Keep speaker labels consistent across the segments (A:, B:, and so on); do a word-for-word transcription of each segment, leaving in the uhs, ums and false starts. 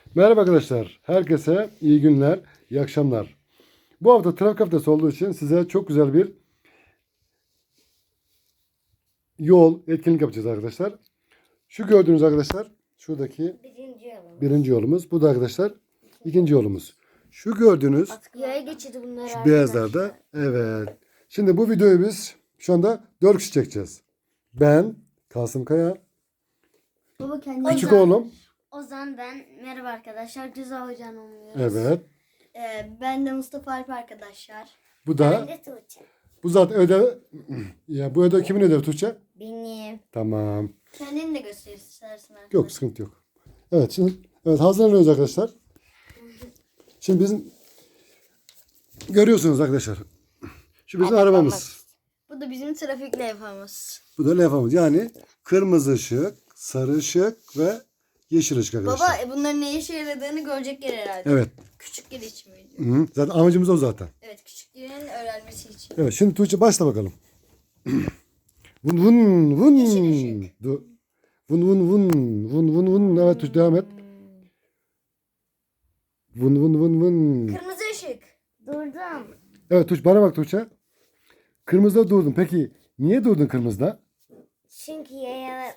A: Merhaba arkadaşlar. Herkese iyi günler, iyi akşamlar. Bu hafta trafik haftası olduğu için size çok güzel bir yol, etkinlik yapacağız arkadaşlar. Şu gördüğünüz arkadaşlar, şuradaki
B: Birinci yolumuz.
A: birinci yolumuz. Bu da arkadaşlar ikinci yolumuz. Şu gördüğünüz
B: Yaya geçidi bunlar
A: şu
B: arkadaşlar.
A: beyazlarda. Evet. Şimdi bu videoyu biz şu anda dört kişi çekeceğiz. Ben, Kasım Kaya,
B: Baba kendi
A: küçük oğlum.
B: Ozan ben. Merhaba arkadaşlar. Ceza hocan olmuyoruz.
A: Evet.
B: Ee, ben de Mustafa Alp arkadaşlar.
A: Bu da
B: de Tuğçe.
A: bu zaten ödev. Ya bu ödev kimin ödevi Tuğçe?
B: Benim.
A: Tamam.
B: Kendini de göster istersen arkadaşlar.
A: Yok, sıkıntı yok. Evet, şimdi evet hazırlanıyoruz arkadaşlar. Şimdi bizim görüyorsunuz arkadaşlar. Şu bizim arabamız.
B: Bu da bizim trafik levhamız.
A: Bu da levhamız. Yani kırmızı ışık, sarı ışık ve yeşil ışık arkadaşlar.
B: Baba e, bunların ne işe yaradığını görecekler herhalde.
A: Evet.
B: Küçükler için miydi?
A: Hı, zaten amacımız o zaten.
B: Evet, küçüklerin öğrenmesi için.
A: Evet, şimdi Tuğçe başla bakalım. Vun vun vun.
B: Yeşil ışık.
A: Du- Vun vun vun. Vun vun vun. Evet Tuğçe devam et. Vun vun vun vun.
B: Kırmızı ışık. Durdum.
A: Evet Tuğçe, bana bak Tuğçe. Kırmızıda durdun. Peki niye durdun kırmızıda?
B: Çünkü yaya...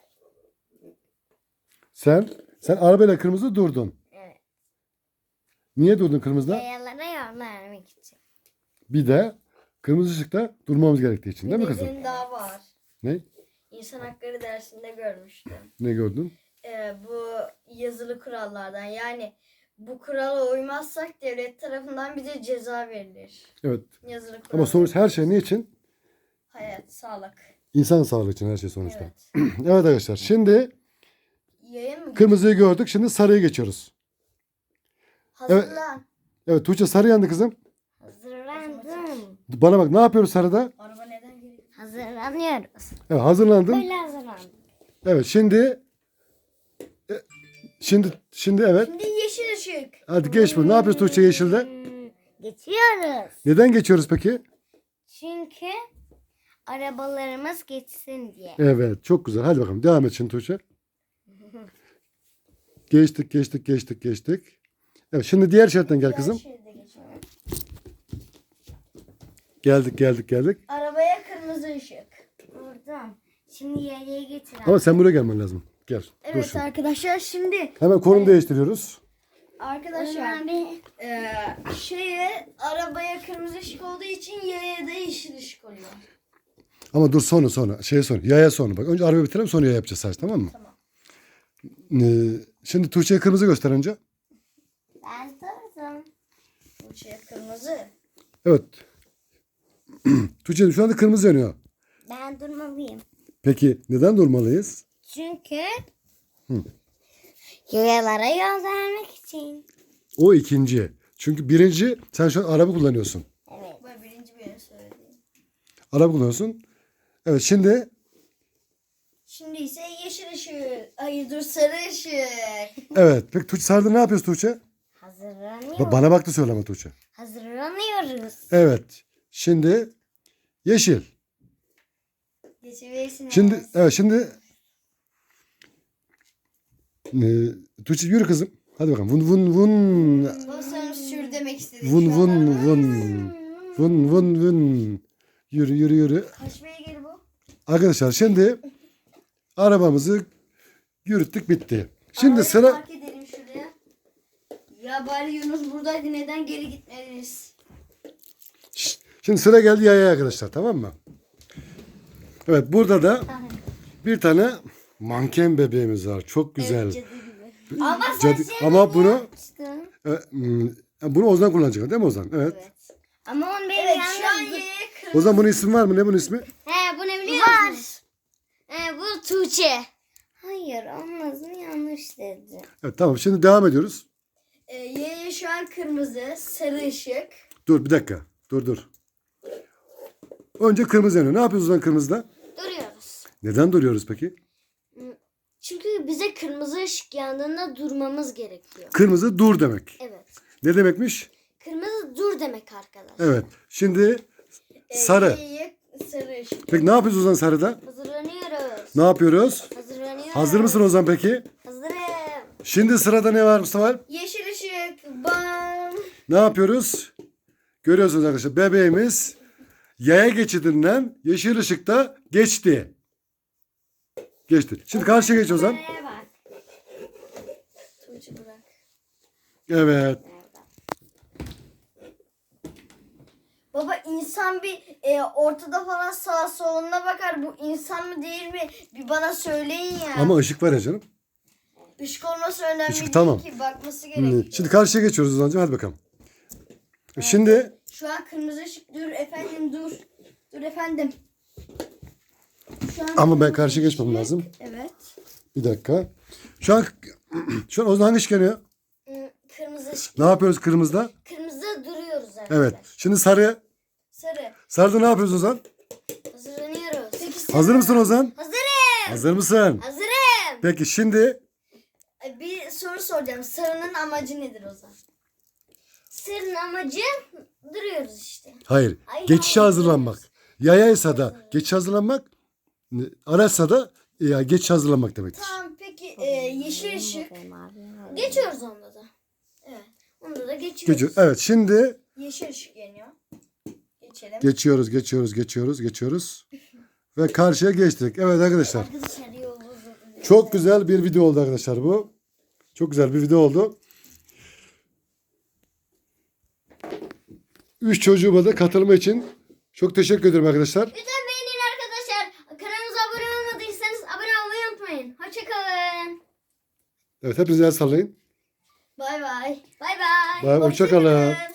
A: Sen sen arabayla kırmızı durdun.
B: Evet.
A: Niye durdun kırmızıda?
B: Yayalara yol vermek için.
A: Bir de kırmızı ışıkta durmamız gerektiği için değil mi kızım?
B: Nedeni daha var.
A: Ne?
B: İnsan hakları dersinde görmüştüm.
A: Ne gördün?
B: Ee, bu yazılı kurallardan, yani bu kurala uymazsak devlet tarafından bize ceza verilir.
A: Evet.
B: Yazılı kural.
A: Ama sonuç her şey ne için?
B: Hayat, sağlık.
A: İnsan sağlığı için her şey sonuçta.
B: Evet.
A: Evet arkadaşlar. Şimdi
B: Yayın mı?
A: kırmızıyı gördük. Şimdi sarıya geçiyoruz.
B: Hazırlan.
A: Evet Tuğçe, sarı yandı kızım.
B: Hazırlandım.
A: Bana bak, ne yapıyoruz sarıda?
B: Araba neden geliyor? Hazırlanıyoruz.
A: Evet, hazırlandım.
B: Öyle hazırlandım.
A: Evet şimdi e, şimdi şimdi evet.
B: Şimdi yeşil ışık.
A: Hadi geç bunu. Ne yapıyoruz Tuğçe yeşilde?
B: Hmm, Geçiyoruz.
A: Neden geçiyoruz peki?
B: Çünkü arabalarımız geçsin diye.
A: Evet, çok güzel. Hadi bakalım devam et şimdi Tuğçe. Geçtik, geçtik, geçtik, geçtik. Evet, şimdi diğer şeritten gel kızım.
B: Diğer şeride geçelim.
A: Geldik, geldik, geldik.
B: Arabaya kırmızı ışık. Buradan. Şimdi yayaya getir.
A: Ama sen buraya gelmen lazım. Gel. Dur
B: Evet
A: şimdi.
B: arkadaşlar, şimdi
A: Hemen konum değiştiriyoruz.
B: arkadaşlar e, şeye arabaya kırmızı ışık olduğu için yaya da yeşil ışık oluyor.
A: Ama dur sonra sonra. Şeye sonra. Yaya sonra. Bak önce arabayı bitirelim, sonra yaya yapacağız sadece, tamam mı?
B: Tamam.
A: Ee, şimdi Tuğçe'ye kırmızı göster önce.
B: Ben durdum. Bu şey kırmızı.
A: Evet. Tuğçe şu anda kırmızı yanıyor.
B: Ben durmalıyım.
A: Peki neden durmalıyız?
B: Çünkü yayalara yol vermek için.
A: O ikinci. Çünkü birinci, sen şu an araba kullanıyorsun.
B: Evet. Bu birinci benim söylediğim.
A: Araba kullanıyorsun. Evet şimdi
B: Şimdi ise yeşil ışık. Hayır dur, sarı ışık.
A: evet. Peki Tuğçe sarıda ne yapıyoruz Tuğçe?
B: Hazırlanıyoruz.
A: Ba- Bana baktı söyleme Tuğçe.
B: Hazırlanıyoruz.
A: Evet. Şimdi yeşil.
B: Geçebilirsiniz.
A: Şimdi evet şimdi e, Tuğçe yürü kızım. Hadi bakalım. Vun vun vun.
B: Bu sanırım sür demek istedim.
A: Vun
B: şu
A: vun
B: an.
A: vun. Vun vun vun. Yürü yürü yürü.
B: Kaç beygir bu?
A: Arkadaşlar şimdi arabamızı yürüttük, bitti. Şimdi
B: Arabayı
A: sıra
B: Park edelim şuraya. Ya bari Yunus buradaydı, neden geri gitmediniz?
A: Şşt, şimdi sıra geldi yaya arkadaşlar, tamam mı? Evet, burada da bir tane manken bebeğimiz var. Çok güzel.
B: Evet, cadı gibi. Ama sen
A: Cadı-
B: şey
A: ama bunu
B: yapmıştın.
A: e, hmm, bunu Ozan kullanacak değil mi Ozan? Evet.
B: Evet. Ama onun benim evet, şu an yaya kırmızı.
A: Ozan, bunun ismi var mı? Ne bunun ismi?
B: He, bu ne biliyor musun? Var. He, bu Tuğçe. Hayır, onun adını yanlış dedi.
A: Evet, tamam, şimdi devam ediyoruz.
B: Ee, yaya şu an kırmızı, sarı ışık.
A: Dur bir dakika. Dur dur. Önce kırmızı yanıyor. Ne yapıyoruz Ozan kırmızıda?
B: Duruyoruz.
A: Neden duruyoruz peki?
B: Çünkü bize kırmızı ışık yandığında durmamız gerekiyor.
A: Kırmızı dur demek.
B: Evet.
A: Ne demekmiş?
B: Kırmızı dur demek arkadaşlar.
A: Evet. Şimdi sarı.
B: Yaya sarı ışık.
A: Peki ne yapıyoruz Ozan sarıda?
B: Hazırlanıyoruz.
A: Ne yapıyoruz?
B: Hazırlanıyoruz.
A: Hazır mısın Ozan peki?
B: Hazırım.
A: Şimdi sırada ne var Mustafa?
B: Yeşil ışık. Bam.
A: Ne yapıyoruz? Görüyorsunuz arkadaşlar. Bebeğimiz yaya geçidinden yeşil ışıkta geçti. Geçti. Şimdi karşıya geç o zaman.
B: Kameraya bak. Tuğçe bırak.
A: Evet.
B: Baba insan bir e, ortada falan sağa soluna bakar. Bu insan mı değil mi? Bir bana söyleyin ya.
A: Ama ışık var ya canım.
B: Işık olması önemli
A: Işık,
B: değil
A: tamam.
B: ki. Bakması
A: Şimdi,
B: gerekiyor.
A: şimdi karşıya geçiyoruz Ozan'cığım. Hadi bakalım. Şimdi
B: Şu an kırmızı ışık. Dur efendim dur. Dur efendim. Şu an
A: ama ben
B: kırmızı
A: karşıya geçmem
B: ışık.
A: lazım.
B: Evet.
A: Bir dakika. Şu an şu an Ozan hangi ışık yanıyor?
B: Hı, Kırmızı ışık.
A: Ne yapıyoruz kırmızıda?
B: Kırmızıda duruyoruz arkadaşlar.
A: Evet. Şimdi sarı.
B: Sarı.
A: Sarıda ne yapıyoruz Ozan?
B: Hazırlanıyoruz. Peki, sarı.
A: Hazır mısın Ozan?
B: Hazırım.
A: Hazır mısın?
B: Hazırım.
A: Peki şimdi
B: E, Bir soru soracağım. Sarının amacı nedir o zaman? Sarının amacı duruyoruz işte.
A: hayır.
B: Ay,
A: Geçişe
B: hayır.
A: hazırlanmak. Yayaysa da geçiş hazırlanmak. Araçsa da ya geç hazırlanmak demektir.
B: Tamam peki e, yeşil ışık. Geçiyoruz onda da. Evet. Onda da geçiyoruz.
A: Geçiyor. Evet şimdi
B: Yeşil ışık yanıyor. Geçelim.
A: geçiyoruz, geçiyoruz, geçiyoruz, geçiyoruz. Ve karşıya geçtik. Evet arkadaşlar.
B: Arkadaşlar yolu uzadı.
A: Çok güzel bir video oldu arkadaşlar bu. Çok güzel bir video oldu. Üç çocuğuma da katılma için çok teşekkür ederim arkadaşlar.
B: Lütfen beğenin arkadaşlar. Kanalımıza abone olmadıysanız abone olmayı unutmayın. Hoşçakalın.
A: Evet hepinize el sallayın.
B: Bay bay. Bay bay.
A: Bay- hoşça kalın.